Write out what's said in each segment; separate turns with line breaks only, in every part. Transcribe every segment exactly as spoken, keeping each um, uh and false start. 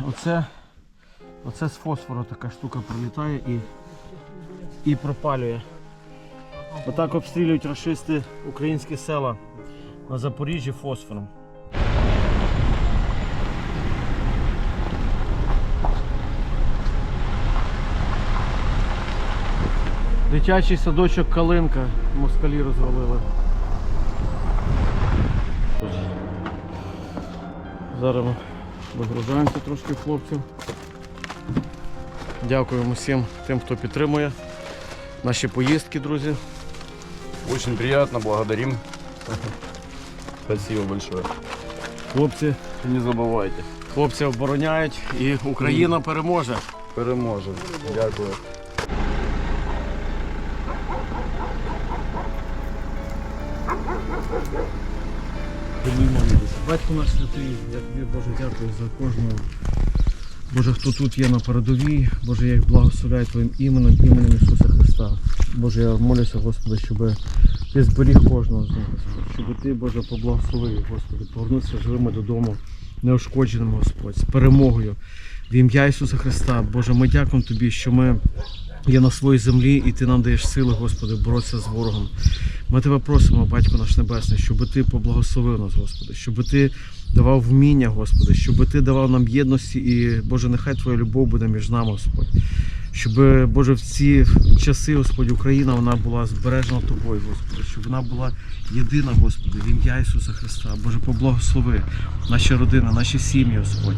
оце, оце з фосфору така штука прилітає і, і пропалює. Отак обстрілюють рашисти українські села на Запоріжжі фосфором. Дитячий садочок Калинка москалі розвалили. Зараз ми вигружаємося трошки хлопців. Дякуємо всім тим, хто підтримує наші поїздки, друзі.
Очень приятно, благодарим. Спасибо большое.
Хлопці,
Не забувайте.
хлопці обороняють і Україна переможе.
Переможемо. Дякую.
Батько наш святий, я тобі, Боже, дякую за кожного. Боже, хто тут є на передовій, Боже, я їх благословляю Твоїм іменем, іменем Ісуса Христа. Боже, я молюся, Господи, щоб Ти зберіг кожного з них, Господи, щоб Ти, Боже, поблагословив, Господи, повернутися живими додому, неушкодженими, Господь, з перемогою. В ім'я Ісуса Христа, Боже, ми дякуємо Тобі, що ми є на своїй землі і Ти нам даєш сили, Господи, боротися з ворогом. Ми Тебе просимо, Батько наш Небесний, щоб Ти поблагословив нас, Господи, щоб Ти давав вміння, Господи, щоб Ти давав нам єдності і, Боже, нехай Твоя любов буде між нами, Господь. Щоб, Боже, в ці часи, Господь, Україна, вона була збережена Тобою, Господи, щоб вона була єдина, Господи, в ім'я Ісуса Христа. Боже, поблагослови наші родини, наші сім'ї, Господь.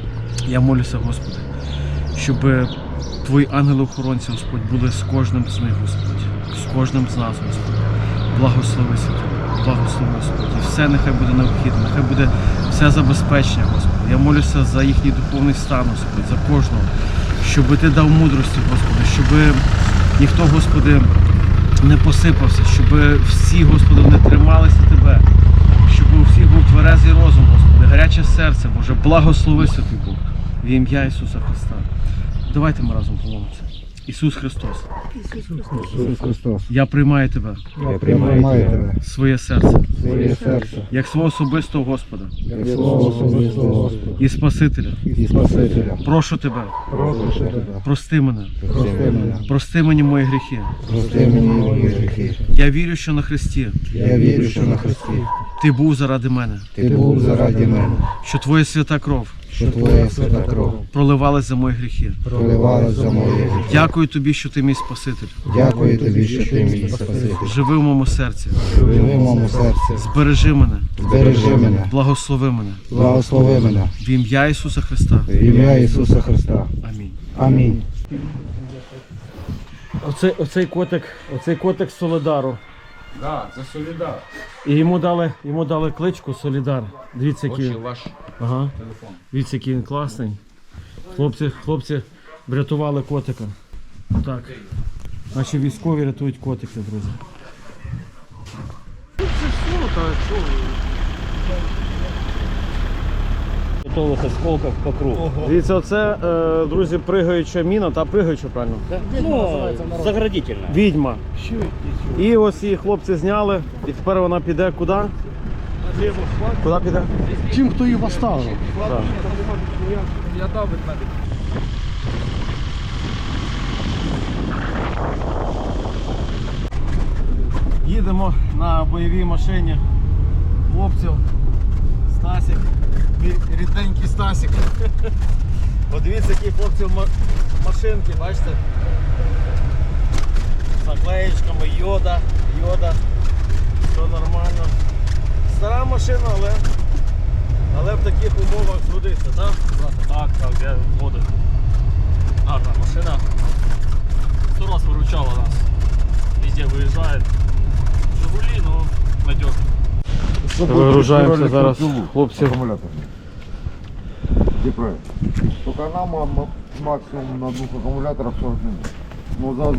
Я молюся, Господи, щоб Твої ангели-охоронці, Господь, були з кожним з них, Господь, з кожним з нас, Господь. Благослови Святий, благослови, Господь. І все нехай буде необхідно, нехай буде все забезпечення, Господи. Я молюся за їхній духовний стан, Господь, за кожного, щоб Ти дав мудрості, Господи, щоб ніхто, Господи, не посипався, щоб всі, Господи, вони трималися Тебе, щоб у всіх був тверезий розум, Господи, гаряче серце, Боже, благослови, Святий Бог, в ім'я Ісуса Христа. Давайте ми разом помолимося. Ісус Христос.
Ісус Христос.
Я приймаю Тебе.
Я приймаю Тебе.
Своє серце.
Своє серце.
Як свого особистого Господа.
Як свого особистого Господа.
І Спасителя.
І Спасителя.
Прошу Тебе.
Прошу Тебе.
Прости мене.
Прости мене.
Прости мені мої гріхи.
Прости мені мої гріхи.
Я вірю, що на Христі
Я вірю, що на Христі
Ти був заради мене.
Ти був заради мене.
Що Твоя свята кров
Що Твоя свята кров
проливалась за мої гріхи.
проливалась за мої гріхи.
Дякую Тобі, що Ти мій Спаситель.
Дякую Тобі, що Ти мій Спаситель.
Живи в моєму серці.
Живи в моєму серці.
Збережи мене.
Збережи мене.
Благослови мене.
Благослови мене.
В ім'я Ісуса Христа.
В ім'я Ісуса Христа.
Амінь.
Амінь.
Оцей, оцей котик, оцей котик з Солидару.
Да, це Солідар.
І йому дали, йому дали кличку Солідар. Дивіться, який,
Хочу ваш
ага.
телефон.
Дивіться, який він класний. Хлопці, хлопці врятували котика. Так. Наші військові рятують котика, друзі. Це що, та що? Готових осколків по кругу. Дивіться, оце, е, друзі, пригаюча міна, та пригаюча, правильно?
Ну, заградительно.
Відьма. І ось її хлопці зняли, і тепер вона піде куди? Куди піде?
Тим, хто її поставив.
Так.
Я дав від мене.
Їдемо на бойовій машині хлопців. Стасік, мій рідненький Стасік. Подивіться, які хлопці в машинки, бачите? З наклеєчками йода, йода, все нормально. Стара машина, але, але в таких умовах згодиться, так?
Так, так, я згоден. Гарна машина. Сто раз выручала нас. Везде выезжает. Жигули, но надежно.
Вигружаємося зараз, хлопці.
Где правильно? Только нам максимум на двух аккумуляторах сорок минут.